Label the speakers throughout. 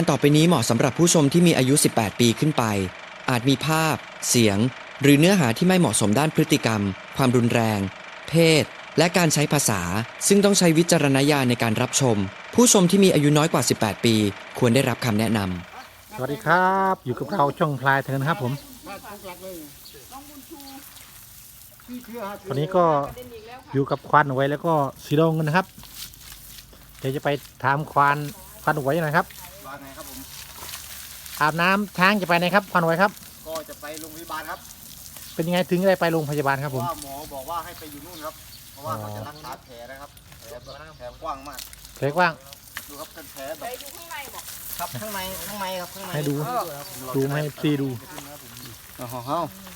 Speaker 1: ต่อไปนี้เหมาะสำหรับผู้ชมที่มีอายุ 18 ปีขึ้นไป อาจมีภาพ เสียง หรือเนื้อหาที่ไม่เหมาะสมด้านพฤติกรรม ความรุนแรง เพศ และการใช้ภาษา ซึ่งต้องใช้วิจารณญาณในการรับชม ผู้ชมที่มีอายุน้อยกว่า 18 ปี ควรได้รับคำแนะน
Speaker 2: สวัสดีครับอยู่กับเราช่องพลายเทินครับผมวันนี้ก็อยู่กับควานไว้แล้วก็สีดงกันนะครับเดี๋ยวจะไปถามควานไว้นะครับ
Speaker 3: ว่าไงครับผม
Speaker 2: อาบน้ำช้างจะไปไหนครับควานไว้ครับ
Speaker 3: ก็จะไปโรงพยาบาลครับ
Speaker 2: เป็นยังไงถึงได้ไปโรงพยาบาลครับผม
Speaker 3: ว่าหมอบอกว่าให้ไปอยู่นู่นครับเพราะว่าเขาจะรักษาแผลนะครับแผลกว้างมาก
Speaker 2: แผลกว้าง
Speaker 3: ดูครับเป็นแผลแบบดูข้างในบอกครับข้างในครับข้างใน
Speaker 2: ให้ดูให้ซีดู
Speaker 3: อ๋อ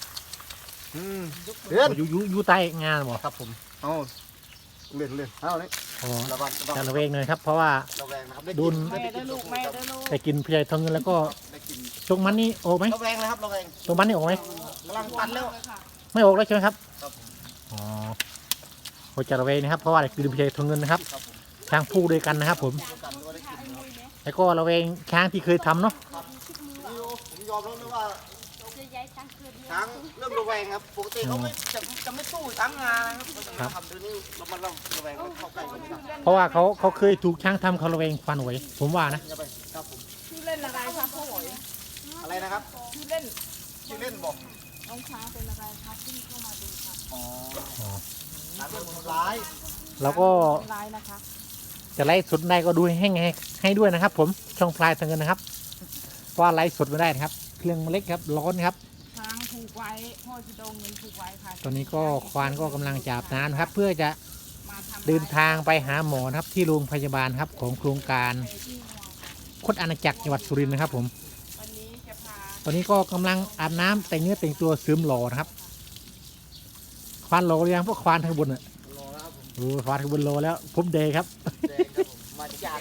Speaker 3: เดือน
Speaker 2: อยู่ใต้งานบอก
Speaker 3: ครับผมเอาเล่นเอาเลย
Speaker 2: จะระเวงเลยครับเพราะว่าดุนได้กินพยายทองเงินแล้วก็ตรงมันนี่โอกไหม
Speaker 3: ระแวงนะครับระแวง
Speaker 2: ตรงมันนี่โอกไหม
Speaker 3: กำลังตันแล้ว
Speaker 2: ไม่โอกแล้วใช่ไหมครับ
Speaker 3: ครับ
Speaker 2: อ๋อโอจะระเวงนะครับเพราะว่าได้กินพยายทองเงินนะครับช้างผู้ด้วยกันนะครับผมแล้วก็ระเวงช้างที่เคยทำเนาะ
Speaker 3: ผมยอมรับเลยว่าช้างเริ่มระแวงครับปกติเขาไม่จะไม่สู้ช้างงานะครับทำเดี๋ยวนี้มันระแวงเข้าใกล้กัน
Speaker 2: เพราะว่าเขาเคยถูกช้างทำเขาระแวงฟันไว้ผมว่านะ
Speaker 4: ชื่อเล่นอะไรครับพ่อหอย
Speaker 3: อะไรนะครับ
Speaker 4: ชื่อเล่น
Speaker 3: บอก
Speaker 4: น้องช้างเป็นอะไรครับที่เข้ามาดูครับ
Speaker 3: อ๋อช้างเป็นคนร้าย
Speaker 2: แล้วก็จะไล่สดได้ก็ดูให้ด้วยนะครับผมช่องพลายทางเงินนะครับเพราะไล่สดไม่ได้นะครับเครื่องเล็กครับร้อนครับ
Speaker 4: ช้างผูกไว้พ่อจะโดนเงินผูกไว้ค่ะ
Speaker 2: ตอนนี้ก็ควานก็กำลังจับน้ำครับเพื่อจะเดินทางไปหาหมอครับที่โรงพยาบาลครับของโครงการคดอาณาจักรจังหวัดสุรินทร์นะครับผมตอนนี้ก็กำลังอาบน้ำแต่งเนื้อแต่งตัวเสริมหล่อนะครับควานหล่อหรือยังพวกควานทางบนอ่ะควานทางบนหล่อแล้วผมเดย์ครับ
Speaker 3: มาจาก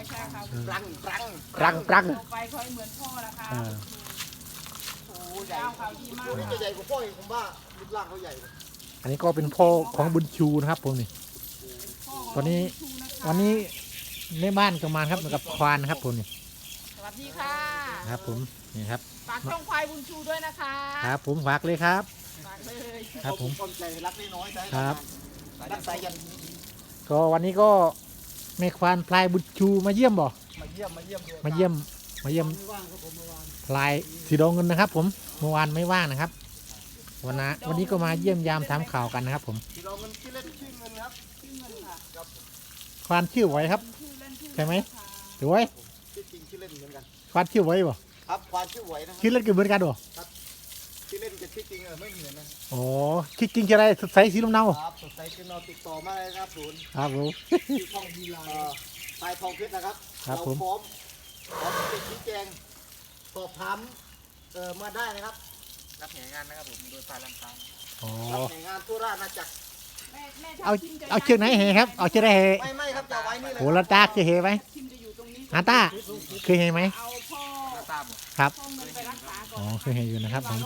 Speaker 2: รัง
Speaker 4: ไปคอยเหมือนพ่อละค่ะ
Speaker 3: โอ้ใหญ่ตัวนี้จะใหญ่กว่าพ่ออีกผมว่ารูปร่างเขาใหญ่
Speaker 2: อันนี้ก็เป็นพ่อของบุญชูนะครับผมนี่ตอนนี้วันนี้ในบ้านก็มาครับกับควานนะครับผมนี่
Speaker 4: สวัสดีค่ะ
Speaker 2: ครับผมนี่ครับ
Speaker 4: ฝากช่องควายบุญชูด้วยนะคะ
Speaker 2: ครับผมฝากเลยครับ
Speaker 4: ฝากเลย
Speaker 2: ครับผม
Speaker 3: ใจรักน้อย
Speaker 2: ครับ
Speaker 3: รักสายยัน
Speaker 2: ก็วันนี้ก็แม่ควานพลายบุญชูมาเยี่ยมบ่
Speaker 3: มาเยี่ยม
Speaker 2: พลายสีดงเงินนะครับผมเมื่อวานไม่ว่างนะครับวันนี้ก็มาเยี่ยมยามถามข่าวกันนะครับผม
Speaker 3: สีดงเงินชื่อเล่นชื่อเงินครับ
Speaker 4: ชื่อเงินค่ะ
Speaker 2: ควานชื่อไว้ครับใช่ไหมหรือไว้
Speaker 3: ชื่อจริงชื่อเล่นเหมือนกัน
Speaker 2: ควานชื่อไว้บ่
Speaker 3: ครับควานชื่อไว้นะ
Speaker 2: ชื่อเล่นก็เหมือนกันบ่
Speaker 3: ครับชื่อเล่นกับชื่อจริงไม่เหมือนนะ
Speaker 2: อ๋อชื่อจริงจะอะไรสดใสสีน้ำเนา
Speaker 3: ครับสดใสสีน้ำเนาติดต่อมาเลยครับศูนย์
Speaker 2: ครับผม
Speaker 3: ชื่อทองดีลาปลายทองเพชรนะครับ
Speaker 2: เราพร้อม
Speaker 3: ติดชี้แจงสอบถามมาได้นะครับรับงานนะครับผมโดยฝ่ายลำปางรับงานทั่วราชอาณาจักร
Speaker 2: เอาเชือกไหนเหครับเอาเชือกไหนเห
Speaker 3: ไม่ครับจะไว้นี่เลย
Speaker 2: โหลาตาเคยเหไหมอาตาเคยเหไหมครับอ๋อเคยเหอยู่นะครับผม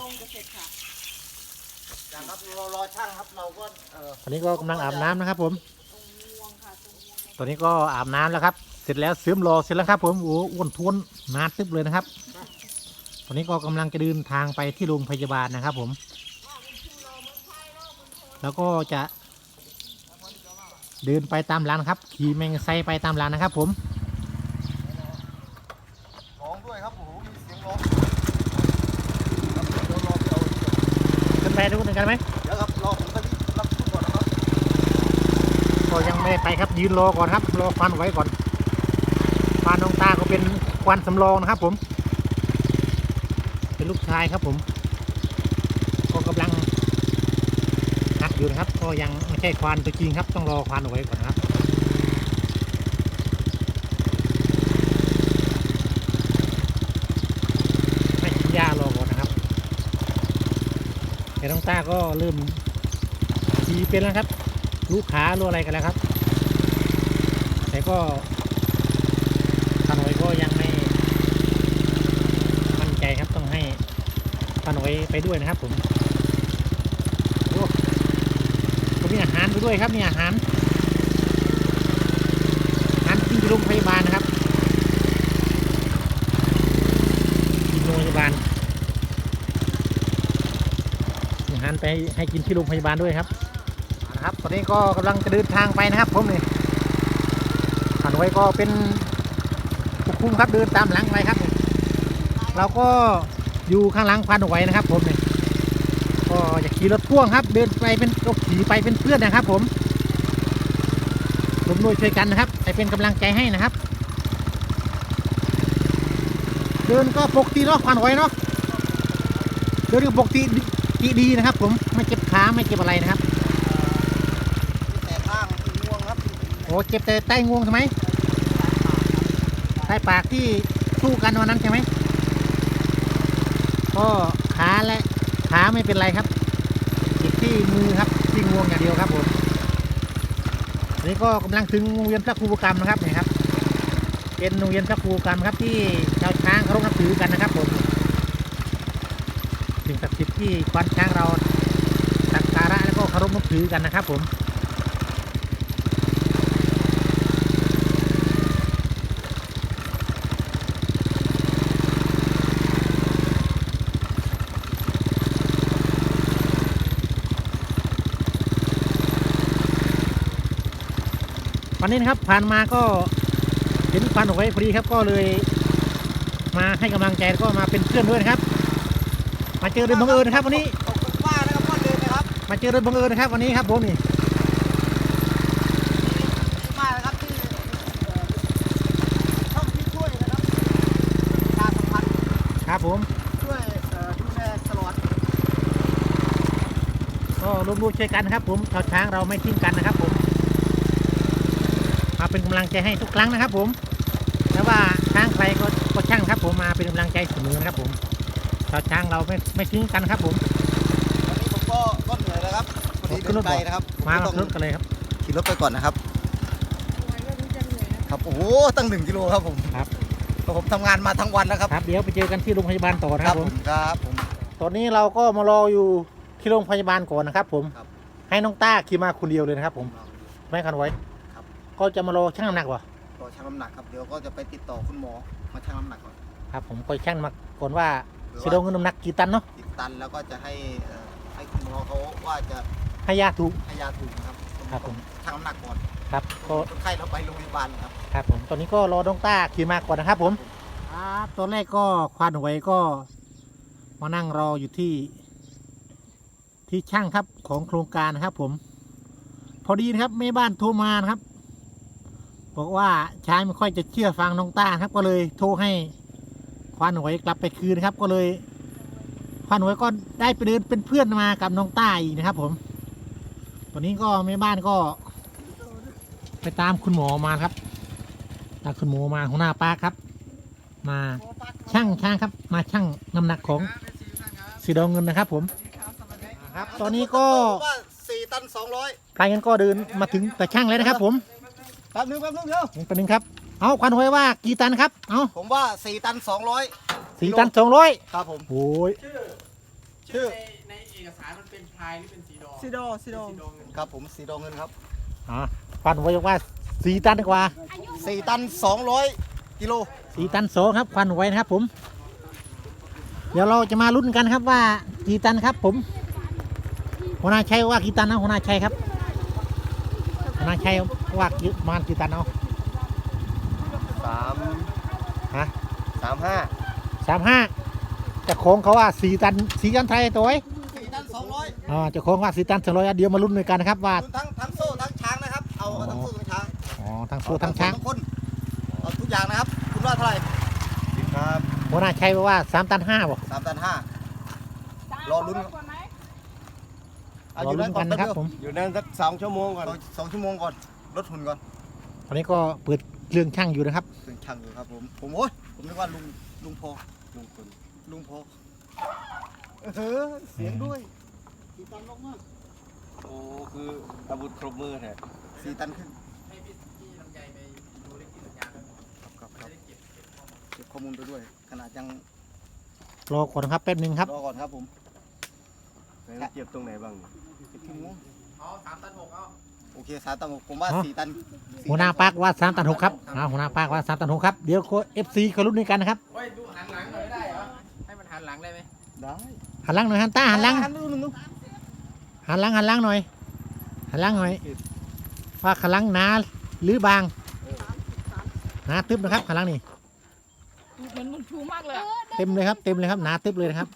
Speaker 3: รอช่างครับเราก็
Speaker 2: ตอนนี้ก็กำลังอาบน้ำนะครับผมตอนนี้ก็อาบน้ำแล้วครับเสร็จแล้วเสริมรอเสร็จแล้วครับผมโอ้อ้วนท้วนนานตึ๊บเลยนะครับตอนนี้ก็กำลังจะเดินทางไปที่โรงพยาบาลนะครับผมแล้วก็จะเดินไปตามร้านครับขี่แมงไซไปตามร้านนะครับผม
Speaker 3: ร้องด้วยครับโอ้โหมีเสียงร้อง
Speaker 2: ขึ้นไปดูกันไหม
Speaker 3: เดี๋ยวครับรอผมก็รับทุกคนนะครับ
Speaker 2: ก็ยังไม่ไปครับยืนรอก่อนครับรอฟันไว้ก่อนฟันน้องตาก็เป็นควันสำรองนะครับผมเป็นลูกชายครับผมก็กำลังหัดอยู่นะครับก็ยังไม่ใช่ควานตัวจริงครับต้องรอควานเอาไว้ก่อนนะครับให้ยารอก่อนนะครับแต่น้องตาก็เริ่มขี่เป็นแล้วครับลูกขาลูกอะไรกันแล้วครับแต่ก็ควานเอาไว้ก็ยังไม่มั่นใจครับต้องให้ควานเอาไว้ไปด้วยนะครับผมมีอาหารไปด้วยครับมีอาหารที่โรงพยาบาลนะครับารไปให้กินที่โรงพยาบาลด้วยครับนะครับตอนนี้ก็กำลังจะเดินทางไปนะครับผมนี่ผ่านไว้ก็เป็นผู้คุมครับเดินตามหลังไปครับเราก็อยู่ข้างหลังพันไว้นะครับผมนี่ก็อยากขี่รถพ่วงครับเดินไปเป็นก็ขี่ไปเป็นเพื่อนนะครับผมร่วมด้วยช่วยกันนะครับไปเป็นกำลังใจให้นะครับเดินก็ปกติเนาะพันไว้เนาะเดินก็ปกติดีนะครับผมไม่เจ็บขาไม่เจ็บอะไรนะครับ
Speaker 3: แต่ข้างงวงครับ
Speaker 2: โอ้เจ็บแต่ใต้งวงใช่ไหมใต้ปากที่สู้กันวันนั้นใช่ไหมก็ขาไม่เป็นไรครับเจ็บที่มือครับที่งวงอย่างเดียวครับผมอันนี้ก็กำลังถึงโรงเรียนพระครูประกรรมนะครับนี่ครับเป็นโรงเรียนพระครูประกรรมครับที่ชาวช้างเคารพนับถือกันนะครับผมสิ่งศักดิ์สิทธิ์ที่ควานช้างเราสักการะแล้วก็เคารพนับถือกันนะครับผมวันนี้นะครับผ่านมาก็เห็นควันออกไว้พอดีครับก็เลยมาให้กำลังใจแล้วก็มาเป็นเพื่อนด้วยนะครับมาเจอโดยบังเอิญนะครับวันนี้
Speaker 3: ขอบคุณป้านะครับพ่อเดินนะครับ
Speaker 2: มาเจอโดยบังเอิญนะครับวันนี้ครับผมนี่
Speaker 3: ดีมากนะครับที่ช่องที่ช่วยนะครับการสัมพันธ์
Speaker 2: ครับผม
Speaker 3: ช่วยดูแลตลอด
Speaker 2: ก็ร่วมด้วยช่วยกันนะครับผมชาวช้างเราไม่ทิ้งกันนะครับผมมาเป็นกำลังใจให้ทุกครั้งนะครับผมแล้วว่าช้างใครก็ช่างครับผมมาเป็นกำลังใจเสมอนะครับผมชาวช้างเราไม่ทิ้งกันครับผม
Speaker 3: วันนี้ผมก็เหนื่อยแล้วครับพอดีเดินไกลนะครับ
Speaker 2: มา
Speaker 3: ผม
Speaker 2: รถกันเลยครับ
Speaker 3: ขี่รถไปก่อนนะครับครับโอ้โหตั้ง1 กิโลครับผม
Speaker 2: ครับ
Speaker 3: ก็ผมทำงานมาทั้งวันแล้วครับ
Speaker 2: ครับเดี๋ยวไปเจอกันที่โรงพยาบาลต่อนะครับผม
Speaker 3: ครับผม
Speaker 2: ตอนนี้เราก็มารออยู่ที่โรงพยาบาลก่อนนะครับผม
Speaker 3: ครับ
Speaker 2: ให้น้องต้าขี่มาคนเดียวเลยนะครับผมไม่คันไว้
Speaker 3: ครับ
Speaker 2: ก็จะมารอชั่งน้ำหนักวะ
Speaker 3: ก็ชั่งน้ำหนักครับเดี๋ยวก็จะไปติดต่อคุณหมอมาชั่งน้ำหนักก่อน
Speaker 2: ครับผมก็ชั่งมาก่อนว่าจะโดนเงินน้ำหนักกี่ตันเนาะ
Speaker 3: ติดตันแล้วก็จะให้คุณหมอเขาว่าจะ
Speaker 2: ให้ยาถูก
Speaker 3: ให้ยาถูกนะครับ
Speaker 2: ครับผม
Speaker 3: ชั่งน้ำหนักก่อน
Speaker 2: ครับก็
Speaker 3: คนไข้เราไปโรงพยาบาลครับ
Speaker 2: ครับผมตอนนี้ก็รอน้องต้าขี่มาก่อนนะครับผมครับตอนแรกก็ควานหวยก็มานั่งรออยู่ที่ช่างครับของโครงการนะครับผมพอดีนะครับแม่บ้านโทรมานะครับบอกว่าชายไม่ค่อยจะเชื่อฟังน้องต้าครับก็เลยโทรให้ควานหวยกลับไปคืนนะครับก็เลยควานหวยก็ได้ไปเดินเป็นเพื่อนมากับน้องต้าอีกนะครับผมตอนนี้ก็แม่บ้านก็ไปตามคุณหมอมาครับตามคุณหมอมาหัวหน้าป้าครับมาชั่งครับมาชั่งน้ำหนักของสีดองเงินนะครับผมครับตอนนี้ก็
Speaker 3: ผมว่า4 ตัน 200
Speaker 2: พลายเงินก็เดินมาถึงแต่ช่างเลยนะครับผม
Speaker 3: แป๊บนึงเดี๋ยว
Speaker 2: เป็นหนึ่งครับเอาควันหวยว่ากี่ตันครับเอา
Speaker 3: ผมว่า4 ตัน 200
Speaker 2: 4 ตัน 200
Speaker 3: ครับผม
Speaker 2: โอ้ย
Speaker 3: ชื่อ
Speaker 5: ในเอกสารมันเป็นพายหรือเป็นสีดอ
Speaker 4: ซิโดซิโด
Speaker 5: สีดองเงิน
Speaker 3: ครับผมสีดองเงินครับ
Speaker 2: ควันหวยบอกว่า4 ตันดีกว่า
Speaker 3: 4 ตัน 200 กิโล
Speaker 2: 4 ตัน 2ครับควันหวยนะครับผมเดี๋ยวเราจะมาลุ้นกันครับว่ากี่ตันครับผมหัวหน้าชัยว่ากี่ตันนะหัวหน้าชัยครับหัวหน้าชัยว่าประมาณกี่ตันเอา
Speaker 3: 3
Speaker 2: ฮะ
Speaker 3: 35
Speaker 2: 35จะโค้งเขาว่า4 ตัน4 ตันไทยตัวไว้
Speaker 3: 4 ตัน 200
Speaker 2: จะโค้งว่า4 ตัน200เดี๋ยวมาลุ้นด้วยกันนะครับว่า
Speaker 3: คุณทั้งโซ่ทั้งช้างนะครับเอาทั้งโซ่ทั้งช้าง
Speaker 2: ทั้งโซ่ทั้งช้าง
Speaker 3: ทั้งคนเอาทุกอย่างนะครับคุณว่าเท่าไหร่ครับ
Speaker 2: หัวหน้าชัยบอกว่า3 ตัน 5บ่
Speaker 3: 3 ตัน 5 รอลุ้น
Speaker 4: ก่อนไหม
Speaker 2: รอลุ้นกันนะครับผม
Speaker 3: อยู่นั่นสัก2 ชั่วโมงก่อน2 ชั่วโมงก่อนลดทุนก่อน
Speaker 2: ตอนนี้ก็เปิดเครื่องช่างอยู่นะครับ
Speaker 3: ถึงช่างอยู่ครับผมโอ้ยผมนึกว่าลุงพอลุงพอเสียงด้วย4 ตันลงมาก
Speaker 5: โอ้คืออาวุธครบมือแท้
Speaker 3: 4 ตันขึ้น
Speaker 5: ให้พี่ลำไยไปดูเลขที่สัญญาณ
Speaker 3: ครับเก็บข้อมูลไปด้วยขนาดยัง
Speaker 2: รอก่อนครับแป๊บหนึงครับ
Speaker 3: รอก่อนครับผม
Speaker 5: เก็บตรงไหนบ้าง
Speaker 3: เก็บที่งู
Speaker 5: อ๋อ3 ตัน 6เอา
Speaker 3: โอเค3 ตัน6ผมว่า
Speaker 2: อ๋อ
Speaker 3: 4 ตัน
Speaker 2: หัวหน้าปากว่า3 ตัน 6ครับหัวหน้าปากว่า3 ตัน 6ครับเดี๋ยวFC เขาลุ้นด้วยกันนะครับ
Speaker 5: เฮ้ยดูหันหลังหน่อยได้เหรอให้มันหันหลังได้ไหม
Speaker 3: ได้
Speaker 2: หันหลังหน่อยฮันต้าหันหลัง
Speaker 3: หันดู
Speaker 2: หันหลังหน่อยหันหลังหน่อยว่าขันหลังหนาหรือบางหนาตึบนะครับขันหลังนี่
Speaker 4: เหมือนบุญชูมากเลยอะ
Speaker 2: เต็มเลยครับเต็มเลยครับหนาตึบเลยนะครับ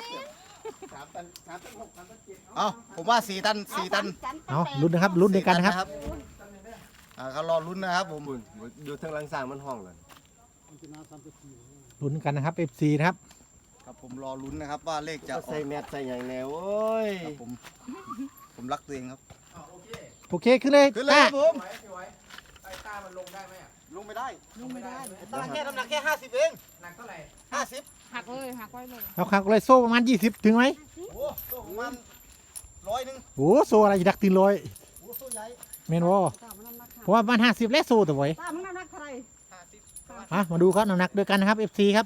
Speaker 3: เอาผมว่า4 ตัน 4 ตัน
Speaker 2: เอาลุ้นนะครับลุ้นด้วยกันนะครับ
Speaker 3: เขารอลุ้นนะครับผม
Speaker 5: บุญดูทางหลังสร้างมันห้องเลย
Speaker 2: ลุ้นกันนะครับ FC นะครับ
Speaker 3: ครับผมรอลุ้นนะครับว่าเลขจะออ
Speaker 5: ใส่
Speaker 3: ก
Speaker 5: แมสใส่อย่างแนวโอ้ย
Speaker 3: ครับผมรักตัวเองครับ
Speaker 2: โอเคขึ้นเลย
Speaker 3: ขึ้นเลยครับผม
Speaker 5: พี่ไว้ไอ้ต้ามันลงได้ไหมอ่ะ
Speaker 3: ลงไม่ได้
Speaker 4: ลงไม่ได้
Speaker 3: ตาแค่น้ำหนักแค่50เอง
Speaker 5: หนักเท่าไหร่
Speaker 3: 50
Speaker 4: หักเลยหักไว้เลย
Speaker 2: เอาครับเลยโซ่ประมาณ20ถึงไหม
Speaker 3: โอ้โหประมาณ100
Speaker 2: โอ้โซ่อะไรจะดักตีลอย
Speaker 3: โอ้โหใหญ่
Speaker 2: เมนวอเพราะว่าประมาณ50และโซ่ตัวไว้
Speaker 4: ตามึงน้ำหนักเท่าไหร่
Speaker 2: มาดูครับน้ำหนักด้วยกันนะครับ FC ครับ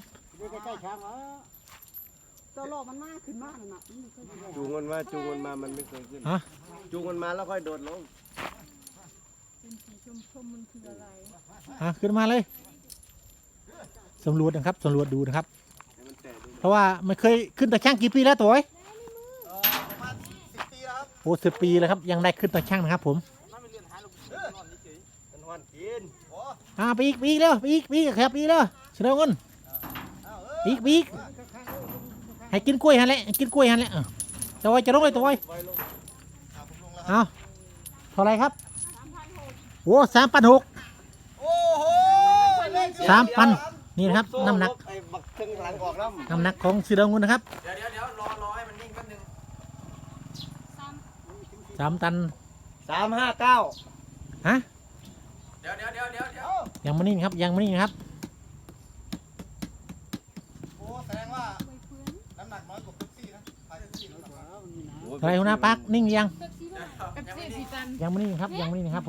Speaker 4: เจ้าโลกมันมากขึ้นมากเลยนะมันเคยได้
Speaker 5: จูงมันมามันไม่เคยขึ้น
Speaker 2: ฮะ
Speaker 5: จูงมันมาแล้วค่อยโดดลง
Speaker 4: เป็นสีชมมันคืออะไร
Speaker 2: ขึ้นมาเลยสำรวจนะครับสำรวจดูนะครับ
Speaker 5: ให้มันแตะดู
Speaker 2: เพราะว่ามันเคยขึ้นตะช่างกี่ปีแล้วตัวไอ้
Speaker 3: ประมาณ10 ปีแล้วครับ
Speaker 2: โอ้10 ปีแล้วครับยังได้ขึ้นตะช่างนะครับผม
Speaker 5: มันหอนกิน
Speaker 3: โอ้
Speaker 2: ไปอีกเร็วไปอีกครับอีกเร็วเสนอเงิน
Speaker 3: เอา
Speaker 2: อีกให้กินกล้วยหันแหละให้กินกล้วยหันแหละตัวไอ้จะลงเลยตัวไอ้
Speaker 3: ผมลงแล้ว
Speaker 2: เอาเท่าไรครับโอ้3,600
Speaker 3: โอ้โหเลขเดียว
Speaker 2: 3,000นี่นะครับน้ำหนัก
Speaker 5: ไอ้บักทึงหลังออกน้ำ
Speaker 2: น้ำหนักของสีดำเงินนะครับ
Speaker 5: เดี๋ยวรอให้มันนิ่งแป๊บนึง
Speaker 2: 3 ตัน
Speaker 5: 359
Speaker 2: ฮะ
Speaker 5: เดี๋ยว
Speaker 2: ยังไม่นิ่งครับยังไม่นิ่งนะครับ
Speaker 3: โอ้แสดงว่าน้ำหนักน้อยกว่าเป๊ปซี่นะไปเป๊ปซี่น้ำหนักน้อย
Speaker 2: อะไรหัวหน้าปักนิ่งยัง
Speaker 4: เป็นสีสีจันทร์
Speaker 2: ยังไม่นิ่งครับยังไม่นิ่งครับผม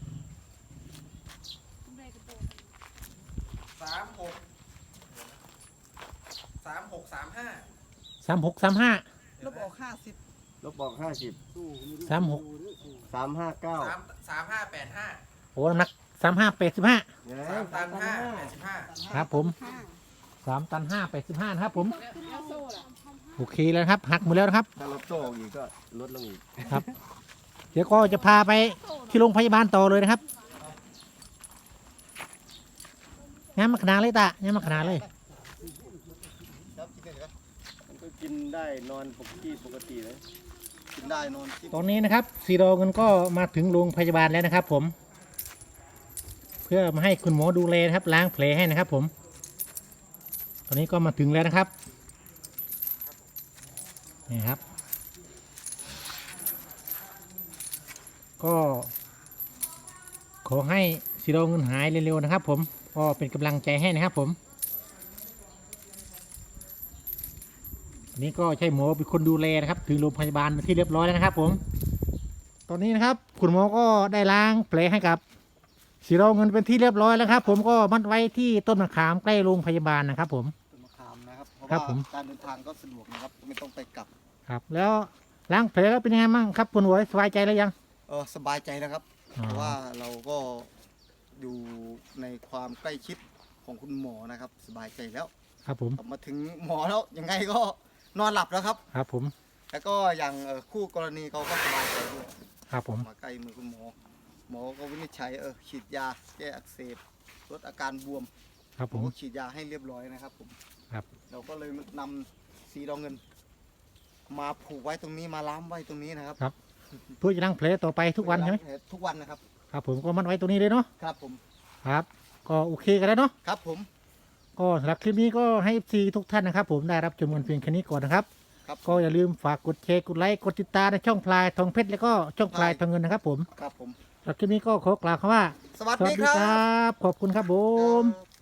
Speaker 5: 3635
Speaker 4: ลบออก
Speaker 5: ลบบอก50
Speaker 2: 36
Speaker 5: 359
Speaker 6: 3585
Speaker 2: โอ้น้ำหนัก35 85
Speaker 6: 3ตัน585
Speaker 2: ครับผม3 ตัน 5 85นะครับผม
Speaker 4: แล้วโซ่ล่ะ
Speaker 2: โอเคแล้วนะครับหักหมดแล้วนะครับ
Speaker 5: ถ้าลดโซ่ออกอีกก็ลดลงอีก
Speaker 2: ครับ เดี๋ยวก็จะพาไปที่โรงพยาบาลต่อเลยนะครับงานมาขนาดเลยตางานมาขนาดเลย
Speaker 3: ครับกินได้ครับ
Speaker 5: มันก็กินได้นอนปกติเลย
Speaker 3: กินได้นอนกิน
Speaker 2: ตอนนี้นะครับสีโรเงินก็มาถึงโรงพยาบาลแล้วนะครับ ผม เพื่อมาให้คุณหมอดูแลนะครับล้างแผลให้นะครับ ผม ตอนนี้ก็มาถึงแล้วนะครับนี่ครับ ก็ขอให้สีโรเงินหายเร็วๆนะครับ ผมก็เป็นกำลังใจให้นะครับ ผมอันนี้ก็ใช่หมอเป็นคนดูแลนะครับ ถึงโรงพยาบาลที่เรียบร้อยแล้วนะครับ ผม ตอนนี้นะครับคุณหมอก็ได้ล้างแผลให้กับสีโรเงินเป็นที่เรียบร้อยแล้วครับ ผมก็มัดไว้ที่ต้นมะขามใกล้โรงพยาบาลนะครับ ผม
Speaker 3: ต้นมะขามนะครับเพราะ
Speaker 2: ครับ
Speaker 3: ว่า
Speaker 2: ผม
Speaker 3: การเดินทางก็สะดวกนะครับไม่ต้องไปกลับ
Speaker 2: ครับ แล้วล้างแผลแล้วเป็นยังไงบ้างครับคุณหมอสบายใจแล้วยัง
Speaker 3: สบายใจแล้วครับ
Speaker 2: อ๋อ
Speaker 3: เพราะว่าเราก็อยู่ในความใกล้ชิดของคุณหมอนะครับ สบายใจแล้ว
Speaker 2: ครับผม
Speaker 3: กลับมาถึงหมอแล้วยังไงก็นอนหลับแล้วครับ
Speaker 2: ครับผม
Speaker 3: แล้วก็อย่างคู่กรณีเขาก็สบายใจด้วย
Speaker 2: ครับผม
Speaker 3: มาใกล้มือคุณหมอ หมอก็วินิจฉัยฉีดยาแก้อักเสบลดอาการบวม
Speaker 2: ครับ
Speaker 3: ผ
Speaker 2: ผม ม
Speaker 3: ก็ฉีดยาให้เรียบร้อยนะครับผม
Speaker 2: ครับ
Speaker 3: เราก็เลยนำสีดองเงิน มาผูกไว้ตรงนี้มาล้ามไว้ตรงนี้นะครับ
Speaker 2: เพื่อจะล้างแผลต่อไปทุกวันใช่ไหม
Speaker 3: ทุกวันนะครับ
Speaker 2: ครับผมก็มัดไว้ตรงนี้เลยเนาะ
Speaker 3: ครับผม
Speaker 2: ครับ ก็โอเคกันแล้วเนาะ
Speaker 3: ครับผม
Speaker 2: ก็สำหรับคลิปนี้ก็ให้ FC ทุกท่านนะครับ ผมได้รับชมกันเพียงแค่นี้ก่อนนะครับ
Speaker 3: ครับ
Speaker 2: ก็อย่าลืมฝากกดแชร์กดไลค์กดติดตามในช่องพลายทองเพชรแล้วก็ช่องพลายทองเงินนะครับ ผม
Speaker 3: ครับผม
Speaker 2: สำหรับคลิปนี้ก็ขอกล่าวคำว่า
Speaker 3: สวัสดีครับ
Speaker 2: บขอบคุณครับผม
Speaker 3: ครับ